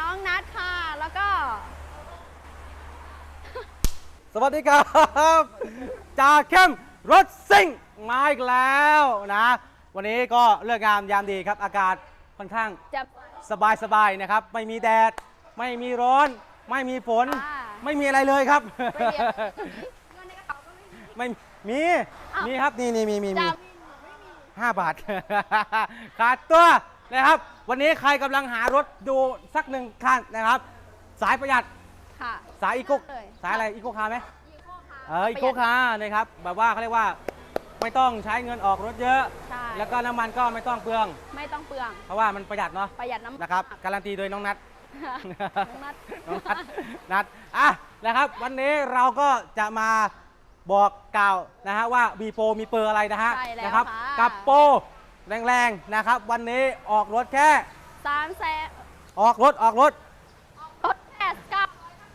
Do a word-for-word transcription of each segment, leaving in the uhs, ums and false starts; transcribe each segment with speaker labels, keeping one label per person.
Speaker 1: น้องนัทค่ะแล้วก็
Speaker 2: สวัสดีครับจ่าเข้มรถซิ่งมาอีกแล้วนะวันนี้ก็เลือกงามยามดีครับอากาศค่อนข้าง
Speaker 1: จะ
Speaker 2: สบายสบายนะครับไม่มีแดดไม่มีร้อนไม่มีฝนไม่มีอะไรเลยครับไม่มีมีครับนี่นี่มีมีมีห้าบาทขาดตัวนะครับวันนี้ใครกำลังหารถดูสักหนึ่งคันนะครับสายประหยัดสายอีโคสายอะไรอีโคคาร์ไหมเอออีโคคาร์นะครับแบบว่าเขาเรียกว่าไม่ต้องใช้เงินออกรถเยอะแล้วก็น้ำมันก็ไม่ต้องเปลือง
Speaker 1: ไม่ต้องเปลือง
Speaker 2: เพราะว่ามันประหยัดเนาะ
Speaker 1: ประหยัดน้ำมัน
Speaker 2: นะครับการันตีโดยน้องนัท
Speaker 1: น้องนัท
Speaker 2: น้องนัทนัทอ่ะนะครับวันนี้เราก็จะมาบอกกล่าวนะฮะว่ามีโปรมีเปอร์อะไรนะฮะนะครับกับโปรแรงๆนะครับวันนี้ออกรถแค่
Speaker 1: สามแสน
Speaker 2: ออกรถออกรถ
Speaker 1: รถแค่เก้า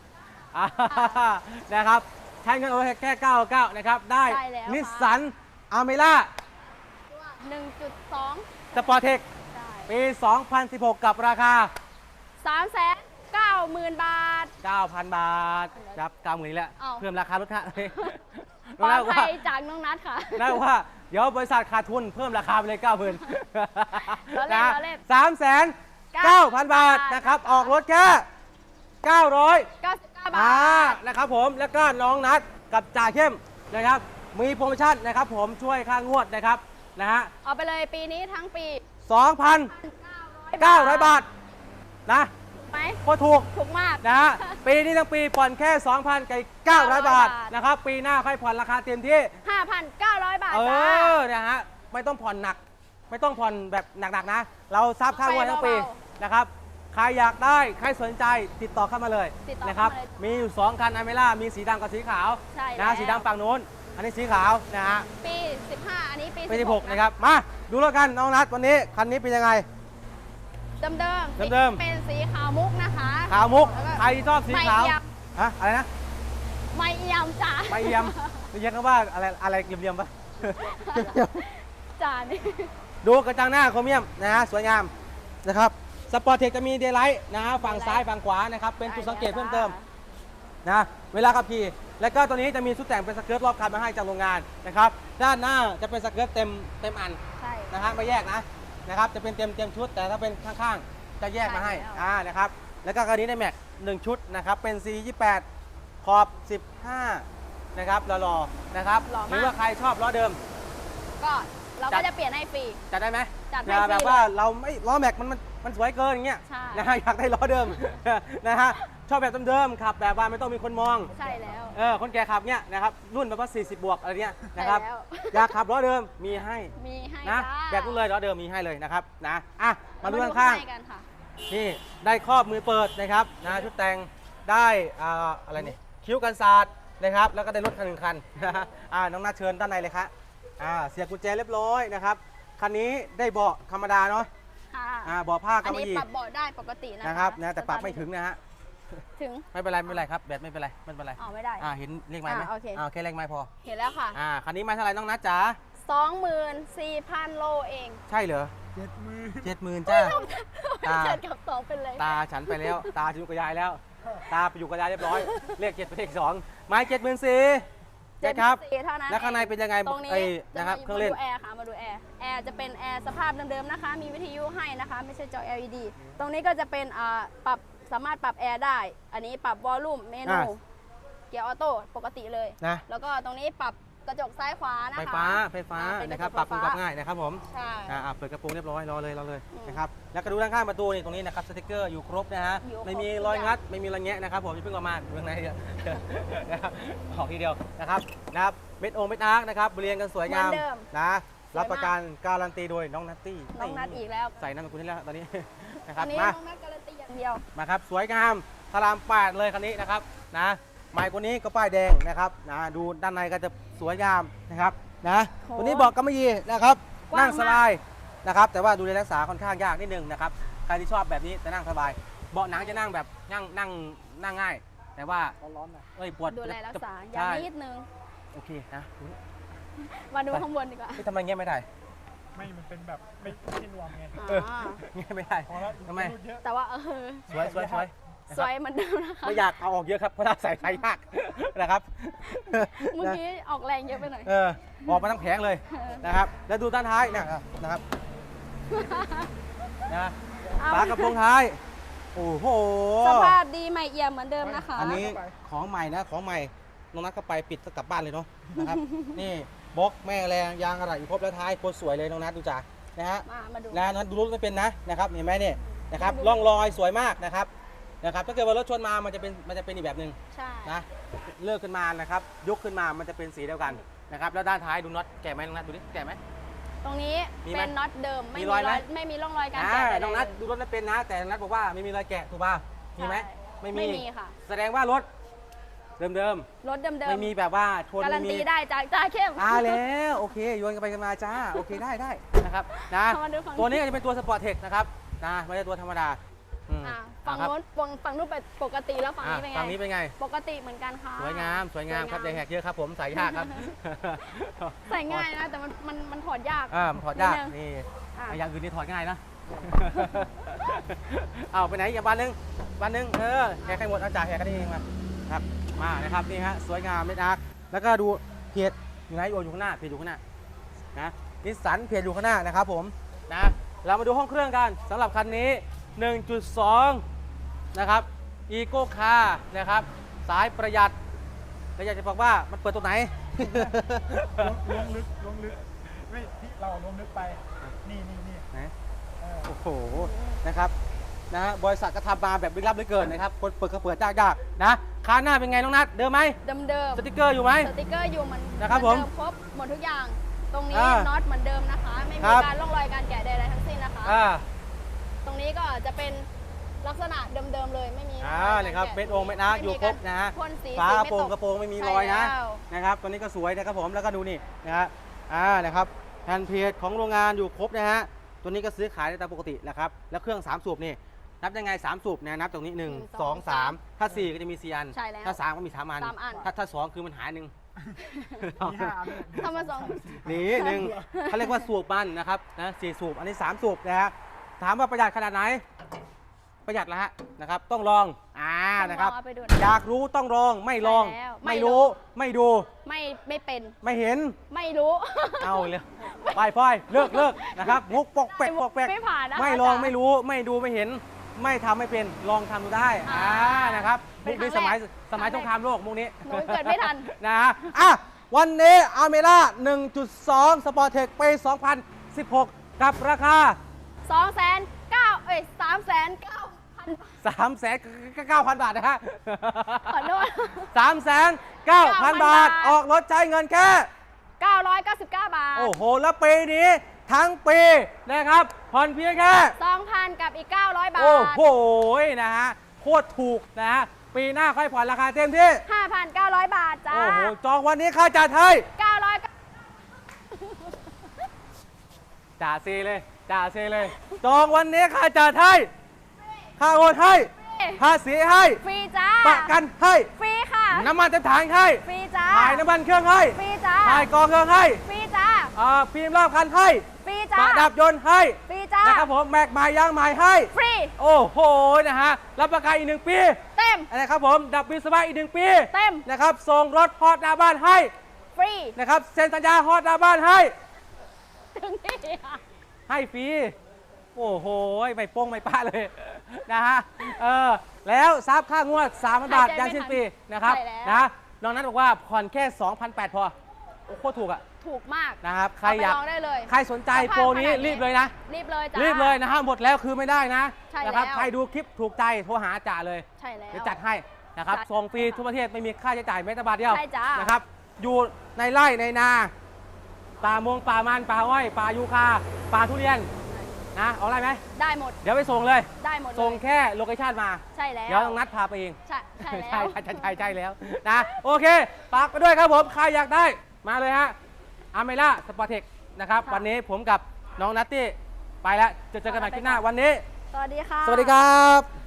Speaker 2: นะครับใช้เงินโอนแค่เก้าเก้านะครับได้นิสสันอาเมล่า
Speaker 1: หนึ่งจุดสอง
Speaker 2: สปอร์เทคปี สองพันสิบหก กับราคา
Speaker 1: สามแสนเก้าหมื่น บาท
Speaker 2: เก้าพัน บาทครับเก้าหมื่นนี่แหละเพิ่มราคารถฮะ
Speaker 1: ปลอดภัยจากน้องนัทค่ะ
Speaker 2: น่าว่าเดี๋ยวบริษัทขาดทุนเพิ่มราคาไปเลยเก้าหมื่นนะสามแสนเก้าพันบาทนะครับออกรถแค่เก้าร้อย
Speaker 1: เก้าสิบเก้าบาท
Speaker 2: นะครับผมแล้วก็น้องนัทกับจ่าเข้มนะครับมีโปรโมชั่นนะครับผมช่วยค่างวดนะครับนะฮะ
Speaker 1: เอาไปเลยปีนี้ทั้งปี
Speaker 2: สองพันเก้าร้อย บาทนะ
Speaker 1: ไหม
Speaker 2: โคตรถูก
Speaker 1: ถูกมาก
Speaker 2: นะฮะปีนี้ทั้งปีผ่อนแค่ สองพันเก้าร้อย บาทนะครับปีหน้าค่อยผ่อนราคาเต็มที่
Speaker 1: ห้าพันเก้าร้อย บาท
Speaker 2: เออนะฮะไม่ต้องผ่อนหนักไม่ต้องผ่อนแบบหนักๆนะเราซับค่างวดทั้งปีนะครับใครอยากได้ใครสนใจติดต่อเข้ามาเลยนะครับมีอยู่สองคันอเมล่ามีสีดำกับสีขาวนะสีดำฝั่งนู้นอันนี้สีขาวนะฮะ
Speaker 1: ปีสิบห้าอันนี้ปี
Speaker 2: สิบหกนะครับมาดูแล้วกันน้องนัทวันนี้คันนี้เป็นยังไง
Speaker 1: เดิมเดิม
Speaker 2: เดิม
Speaker 1: เป็นสีขาวมุกนะคะ
Speaker 2: ขาวมุกใครชอบสีขาวฮะอะไรนะ
Speaker 1: ไม่เอี่ยมจ้า
Speaker 2: ไม่เอี่ยมเรียกกันว่าอะไรอะไรเยี่ยมๆปะ
Speaker 1: จ้านี่
Speaker 2: ดูกระจังหน้าโครเมียมนะฮะสวยงามนะครับสปอร์ตเทคจะมีเดย์ไลท์นะฮะฝั่งซ้ายฝั่งขวานะครับเป็นจุดสังเกตเพิ่มเติมนะเวลาขับขี่แล้วก็ตัวนี้จะมีชุดแต่งเป็นสเกิร์ตรอบคันมาให้จากโรงงานนะครับด้านหน้าจะเป็นสเกิร์ตเต็มเต็มอันนะฮะไม่แยกนะนะครับจะเป็นเต็มเต็มชุดแต่ถ้าเป็นข้างๆจะแยกมาให้อ่านะครับแล้วก็คันนี้ได้แม็กหนึ่งชุดนะครับเป็น ซี ยี่สิบแปด ขอบสิบห้านะครับหล่อๆนะครับหรือว่าใครชอบล้อเดิม
Speaker 1: ก็เราก็จะเปลี่ยนให้ฟรี
Speaker 2: จัดได้ไหม
Speaker 1: จัดให้ฟรี
Speaker 2: แบบว่าเราไม่ล้อแม็กมันมันสวยเกินอย่างเงี้ยนะฮะอยากได้ล้อเดิมนะฮะชอบแบบเดิมๆขับแบบว่าไม่ต้องมีคนมอง
Speaker 1: ใช่แล้ว
Speaker 2: เออคนแก่ขับเนี้ยนะครับรุ่นแบบว่าสี่สิบบวกอะไรเนี้ยนะครับอยากขับล้อเดิมมีให้
Speaker 1: มีให้
Speaker 2: นะแบบนู้นเลยล้อเดิมมีให้เลยนะครับนะอ่ะมาดูข้างๆนี่ได้ครอบมือเปิดนะครับนะชุดแต่งได้อะไรนี่คิ้วกันศาสตร์นะครับแล้วก็ได้รถคันหนึ่งคันนะฮะอ่าน้องนัทเชิญด้านในเลยครับอ่าเสียบกุญแจเรียบร้อยนะครับคันนี้ได้เบาะธรรมดาเนาะอ่าเบาะผ้ากำมะหยี่
Speaker 1: ปรับเบาะได้ปกติ
Speaker 2: นะครับนะแต่ปรับไม่ถึงนะฮะ
Speaker 1: ถึง
Speaker 2: ไม่เป็นไรไม่เป็นไรครับแบตไม่เป็นไรไม่เป็นไร
Speaker 1: อ๋อไม่ได้
Speaker 2: อ่าเห็นเลขไม้ไหม
Speaker 1: โอเค
Speaker 2: อ่าแค่เลขไม้พอ
Speaker 1: เห็นแล้วค่ะ
Speaker 2: อ่าคันนี้มาเท่าไหร่น้องนัทจ๋า
Speaker 1: สองหมื่นสี่พันโลเอง
Speaker 2: ใช่เหรอเจ็ดหมื่นเจ็ดหมื่นจ้า
Speaker 1: ตากับสองเป็นเลย
Speaker 2: ตาฉันไปแล้วตาอยู่กับยายแล้วตาไปอยู่กับยายเรียบร้อยเลขเจ็ดเป็นเลขสองไม้เจ็ดหมื่นสี่นะครับแล้วข้างในเป็นยังไง
Speaker 1: ตรงนี้
Speaker 2: นะครับเครื่องเล่น
Speaker 1: มาดูแอร์ค่ะมาดูแอร์แอร์จะเป็นแอร์สภาพเดิมๆนะคะมีวิทยุให้นะคะไม่ใช่จอ แอล อี ดี ตรงนี้ก็จะเป็นปรับสามารถปรับแอร์ได้อันนี้ปรับวอลลุ่มเมนูเกียร์ออโต้ปกติเลยนะแล้วก็ตรงนี้ปรับกระจกซ้ายขวานะคะ
Speaker 2: ไฟฟ้าไฟฟ้านะครับปรับปรับง่ายนะครับผมใช่เปิดกระโปรงเรียบร้อยรอเลยรอเลยนะครับแล้วก็ดูด้านข้างประตูนี่ตรงนี้นะครับสติ๊กเกอร์อยู่ครบนะฮะไม่มีรอยงัดไม่มีรอยแงะนะครับผมจะเพิ่งประมาณดูข้างในนะครับออกทีเดียวนะครับนะครับเม็ดองเม็ดอาร์คนะครับเรียงกันสวยงามนะรับประกันการันตีโดยน้องนัตตี้
Speaker 1: น้องนัทอีกแล้ว
Speaker 2: ใส่น้ำมันกุลนี่แล้วตอนนี้นะครับ
Speaker 1: มาน้องนัทการันตีอย่างเดียว
Speaker 2: มาครับสวยงามพารามแปดเลยคันนี้นะครับนะไมค์คนนี้ก็ป้ายแดงนะครับนะดูด้านในก็จะสวยงามนะครับนะตัวนี้บอกกำมะหยี่นะครับนั่งสบายนะครับแต่ว่าดูแลรักษาค่อนข้างยากนิดนึงนะครับใครที่ชอบแบบนี้จะนั่งสบายเบาะหนังจะนั่งแบบนั่งนั่งนั่งง่ายแต่ว่า
Speaker 1: ร้อนๆนะ
Speaker 2: เอ้ยปวด
Speaker 1: ดูแลรักษาอย่างนิดนึง
Speaker 2: โอเคนะ
Speaker 1: มาดูข้างบนดีกว่า
Speaker 2: ทำไมเงี้ยไม่ได้
Speaker 3: ไม่มันเป็นแบบไม่ไม่ใช่รวมไง
Speaker 2: เออ
Speaker 1: อ่า
Speaker 2: งี้ไม่ได้
Speaker 3: พอแล้ว
Speaker 2: ทำไม
Speaker 3: รูดเยอะ
Speaker 1: แต่ว่าเออ
Speaker 2: สวยสวยสวย
Speaker 1: สวยเหมือนเดิมนะคะ
Speaker 2: ไม่อยากเอาออกเยอะครับเพราะถ้าใส่ไฟยากนะครับ
Speaker 1: เมื่อกี้ออกแรงเยอะไปหน่อย
Speaker 2: เออออกมาทั้งแผงเลยนะครับ แล้วดูด้านท้ายเนี่ยนะครับนะ
Speaker 1: เอา
Speaker 2: ฝากระโปรงท้าย โอ้โห
Speaker 1: สภาพดีใหม่เอี่ยมเหมือนเดิมนะคะ
Speaker 2: อันนี้ของใหม่นะของใหม่น้องนัทก็ไปปิดก็กลับบ้านเลยเนาะนะครับ นี่บล็อกแม่แรงยางอะไรอยู่ครบแล้วท้ายโคตรสวยเลยน้องนัทดูจ้านะฮะ
Speaker 1: มามาดู
Speaker 2: นะนั้นดูรถไม่เป็นนะนะครับเห็นไหมเนี่ยนะครับ
Speaker 1: ดู
Speaker 2: ร่องรอยสวยมากนะครับนะครับถ้าเกิดว่ารถชนมามันจะเป็นมันจะเป็นอีกแบบหนึ่ง
Speaker 1: ใช่
Speaker 2: นะเลิกขึ้นมานะครับยกขึ้นมามันจะเป็นสีเดียวกันนะครับแล้วด้านท้ายดูน็อตแกะไหมน้องนัทดูดิแกะไหม
Speaker 1: ตรงนี้
Speaker 2: มีไหม
Speaker 1: เป็นน็อตเดิม ไม่
Speaker 2: มี
Speaker 1: มี
Speaker 2: รอยไหม
Speaker 1: ไม่มีร่องรอยการ
Speaker 2: อ่า
Speaker 1: แกะใดๆ
Speaker 2: น้องนัท
Speaker 1: เลย
Speaker 2: ดูรถไม่เป็นนะ แต่น้องนัทบอกว่าไม่มีรอยแกะถูกป่ะมีไหม
Speaker 1: ใช่
Speaker 2: ไม่มี
Speaker 1: ไม่มีค่ะ
Speaker 2: แสดงว่ารถเดิม
Speaker 1: รถเดิม
Speaker 2: ๆ
Speaker 1: ๆ
Speaker 2: ไม่มีแบบว่าชน
Speaker 1: การั
Speaker 2: ไม่
Speaker 1: น
Speaker 2: มี
Speaker 1: ตีได้จากจ่าเข้ม
Speaker 2: อ่าแล้วโอเคโยนกันไปกันมาจ้าโอเคได้ได้นะครับนะ
Speaker 1: เอามาดูฝั่ง
Speaker 2: ตัวนี้ก็จะเป็นตัวสปอร์ตเทคนะครับนะไม่ใช่ตัวธรรมดาอืม
Speaker 1: อ่าฝั่ง
Speaker 2: ครับ
Speaker 1: โน้นฝั่งฝั่งนู้นเป็นปกติแล้วฝั่ง
Speaker 2: อ่ะ
Speaker 1: นี้เป็นไง
Speaker 2: ฝั่งนี้เป็นไง
Speaker 1: ปกติเหมือนกันค่ะ
Speaker 2: สวยงามสวยงามครับ
Speaker 1: ส
Speaker 2: ใหญ่แหกเยอะครับผมใส่ยากครับ
Speaker 1: ใส่ง่ายนะแต่มันมันมันถอดยาก
Speaker 2: อ่ามันถอดยาก
Speaker 1: นิดนึง
Speaker 2: นี่
Speaker 1: อ่ะ
Speaker 2: อย่างอื่นนี่ถอดง่ายนะ เอาไปไหนอีกบ้านหนึงบ้านหนึงเออแหกให้หมดเอาจ่าแหกกันเองมาครับมานะครับนี่ฮะสวยงามเม็ดอาร์คแล้วก็ดูเพจอยู่ไหนโยอยู่ข้างหน้าเพจอยู่ข้างหน้านะนิสสันเพจอยู่ข้างหน้านะครับผมนะเรามาดูห้องเครื่องกันสำหรับคันนี้ หนึ่งจุดสอง นะครับอีโก้คาร์นะครับสายประหยัดแล้วอยากจะบอกว่ามันเปิดตรงไหน
Speaker 3: ล้วงล้วงลึกล้วงลึกไม่ที่เราล้วงลึกไป นี่นี่นี่
Speaker 2: ไหน
Speaker 3: เออ
Speaker 2: โอ้โหนะครับนะฮะบริษัทก็ทำมาแบบลึกลับเหลือเกินนะครับคนเปิดก็เปิดยากๆนะคาหน้าเป็นไงน้องนัทเดิมไหม
Speaker 1: เดิมเดิม
Speaker 2: สติกเกอร์อยู่ไหม
Speaker 1: สติกเกอร์อยู่เหมือน
Speaker 2: นะครับ
Speaker 1: เหมือน
Speaker 2: ผม
Speaker 1: เดิมครบหมดทุกอย่าง ตรงนี้
Speaker 2: อ่า
Speaker 1: น็อตเหมือนเดิมนะคะ ไม่
Speaker 2: ค
Speaker 1: มี
Speaker 2: รับ
Speaker 1: การร่องรอยการแกะใดๆทั้งสิ้นนะคะ
Speaker 2: อ่า
Speaker 1: ตรงนี้ก็จะเป็นลักษณะเดิมๆเลยไม่มี
Speaker 2: อ่า
Speaker 1: ร่อง
Speaker 2: เนี่ยครับ
Speaker 1: กา
Speaker 2: เม็ดองเม็ดอาร์คอยู่ครบนะฮะ
Speaker 1: พ่นสี
Speaker 2: ฝา
Speaker 1: สี
Speaker 2: กระ
Speaker 1: ไม่
Speaker 2: โปรง
Speaker 1: ต
Speaker 2: กระโปรงไม่มีรอยนะ
Speaker 1: ใช่แล้ว
Speaker 2: นะครับตัวนี้ก็สวยนะครับผมแล้วก็ดูนี่นะฮะอ่านะครับแผ่นเพจของโรงงานอยู่ครบนะฮะตัวนี้ก็ซื้อขายได้ตามปกตินะครับแล้วเครื่องสามสูบนี่นับยังไงสามสูบเนี่ยนับตรงนี้หนึ่ง
Speaker 1: หนึ่ง
Speaker 2: สองสามถ้าสี่ก็จะมีสี่อัน
Speaker 1: ใช่แล้ว
Speaker 2: ถ้าสามก็มีสามอัน
Speaker 1: สามอัน
Speaker 2: ถ้าถ้าสองคือมันหายหนึ่ง
Speaker 3: มีห้าอันเนี่ย
Speaker 1: ทำมาสอง
Speaker 2: นี่หนึ่งเขาเรียกว่าสูบมันนะครับนะสี่สูบอันนี้สามสูบนะฮะถามว่าประหยัดขนาดไหน ประหยัดแล้วฮะนะครับต้องลองอ่านะครับ
Speaker 1: ต้องลองเอาไปดู
Speaker 2: อยากรู้ต้องลองไม่ลอง
Speaker 1: ใช่แล้วไม่
Speaker 2: ไม่
Speaker 1: รู้
Speaker 2: รู้ไม่ดู
Speaker 1: ไม่ไม่เป็น
Speaker 2: ไม่เห็น
Speaker 1: ไม่รู้
Speaker 2: เอาเลยไปพ่อยเลิกเลิกนะครับงกปอกแปกปอกแปก
Speaker 1: ไม่ผ่านนะคะ
Speaker 2: ไม่ลอง
Speaker 1: อาจารย์
Speaker 2: ไม่รู้ไม่ดูไม่เห็น ไม่ทำไม่เป็นลองทำดูได้
Speaker 1: อ่า
Speaker 2: อ่านะครับ
Speaker 1: เป็
Speaker 2: มุ
Speaker 1: น
Speaker 2: กนี้
Speaker 1: ครั้
Speaker 2: ส
Speaker 1: งแรก
Speaker 2: มัยสมัย
Speaker 1: ครั้
Speaker 2: ส
Speaker 1: งแรก
Speaker 2: งครามโลกมุกนี้
Speaker 1: หนูเกิดไม่ทัน
Speaker 2: นะฮะอ่ะวันนี้อาเมล่า หนึ่งจุดสอง สปอร์ตเทคปี สองพันสิบหก กับราคา
Speaker 1: สองแสนเก้าเอ้ยสามแสนเก้าพัน
Speaker 2: สามแสนเก้าพัน บาทนะฮะ
Speaker 1: ขอโทษ
Speaker 2: สามแสนเก้าพัน บาท
Speaker 1: บาท
Speaker 2: ออกรถใช้เงินแค่
Speaker 1: เก้าร้อยเก้าสิบเก้าบาท
Speaker 2: โอ้โห แล้วปีนี้ทั้งปีนะครับผ่อนเพียงแค่
Speaker 1: สองพันกับอีกเก้าร้อยบาท
Speaker 2: โอ้โหนะฮะโคตรถูกนะฮะปีหน้าค่อยผ่อนราคาเต็มที่
Speaker 1: ห้าพันเก้าร้อยบาทจ้า
Speaker 2: โอ้โหจองวันนี้ค่าจัดให้
Speaker 1: เก้าร้อย
Speaker 2: จ่าซีเลยจ่าซีเลย จองวันนี้ค่าจัดให้ค่าโอนให้ภาษีให้
Speaker 1: ฟรีจ้า
Speaker 2: ประกันให้
Speaker 1: ฟรีค่ะ
Speaker 2: น้ำมันเต็มถังให้
Speaker 1: ฟรีจ้า
Speaker 2: ถ่ายน้ำมันเครื่องให้
Speaker 1: ฟรีจ้า
Speaker 2: ถ่ายกองเครื่องให้
Speaker 1: ฟรีจ้า
Speaker 2: อ่าฟิล์มรอบคันให้
Speaker 1: ฟรี
Speaker 2: ป
Speaker 1: จ้า
Speaker 2: ระดับยนต์ให้
Speaker 1: ฟรีจ้า
Speaker 2: นะครับผมแม็กไม้ยางไม้ให้
Speaker 1: ฟรี
Speaker 2: โอ้โหนะฮะรับประกันอีกหนึ่งปี
Speaker 1: เต็ม
Speaker 2: นะครับผมดับบิลสบายอีกหนึ่งปี
Speaker 1: เต็ม
Speaker 2: นะครับส่งรถฮอตหน้าบ้านให้
Speaker 1: ฟรี
Speaker 2: นะครับเซ็นสัญญาฮอตหน้าบ้านให้
Speaker 1: ถึงนี่ค่ะ
Speaker 2: ให้ฟรีโอ้โหไม่โป้งไม่ป้าเลย นะฮะเออแล้วซับค่างวดสามพันบาท
Speaker 1: หายใจ
Speaker 2: ยันสิ้นปีนะครับ
Speaker 1: ใช่แล้ว
Speaker 2: นะน้องนัทบอกว่าผ่อนแค่ สองพันแปดร้อย พอโอ้โคตรถูกอะ
Speaker 1: ถูกมาก
Speaker 2: นะครับใคร
Speaker 1: เไป
Speaker 2: อยาก
Speaker 1: ลองได้เลย
Speaker 2: ใครสนใจ
Speaker 1: สภาพ
Speaker 2: โปรนี้
Speaker 1: ขนาดนี้
Speaker 2: รีบเลยนะ
Speaker 1: รีบเลยจ้า
Speaker 2: รีบเลยนะฮะหมดแล้วคือไม่ได้นะ
Speaker 1: ใช่
Speaker 2: นะครั
Speaker 1: แล้ว
Speaker 2: ใครดูคลิปถูกใจโทรหาจ่าเลย
Speaker 1: ใช่แล้ว
Speaker 2: เดี๋ยวจัดให้นะครับ
Speaker 1: จัด
Speaker 2: ส่งฟรีทุกประเทศไม่มีค่าใช้จ่ายแม้แต่บาทเดียว
Speaker 1: ใช่จ้าน
Speaker 2: นะครับอยู่ในไร่ในนาป่ามงป่ามันป่าอ้อยป่ายูคาป่าทุเรียนนะเอาอะไรไหม
Speaker 1: ได้หมด
Speaker 2: เดี๋ยวไปส่งเลย
Speaker 1: ได้หมดเลย
Speaker 2: ส่งแค่โลเคชั่นมา
Speaker 1: ใช่แล้ว
Speaker 2: เดี๋ยวต้องนัดพาไปเอง
Speaker 1: ใช่ใช่แล้
Speaker 2: ใช่
Speaker 1: ว
Speaker 2: ใช่ใช่ใช่ใช่แล้วนะโอเคฝากไปด้วยครับผมใครอยากได้มาเลยฮะอาเมล่าสปอร์ตเทคนะครับ
Speaker 1: ค่ะ
Speaker 2: วันนี้ผมกับน้องนัตตี้ไปแล้วเจอเจอกันใหม่คลิปหน้าวันนี้
Speaker 1: สวัสดีค่ะ
Speaker 2: สวัสดีครับ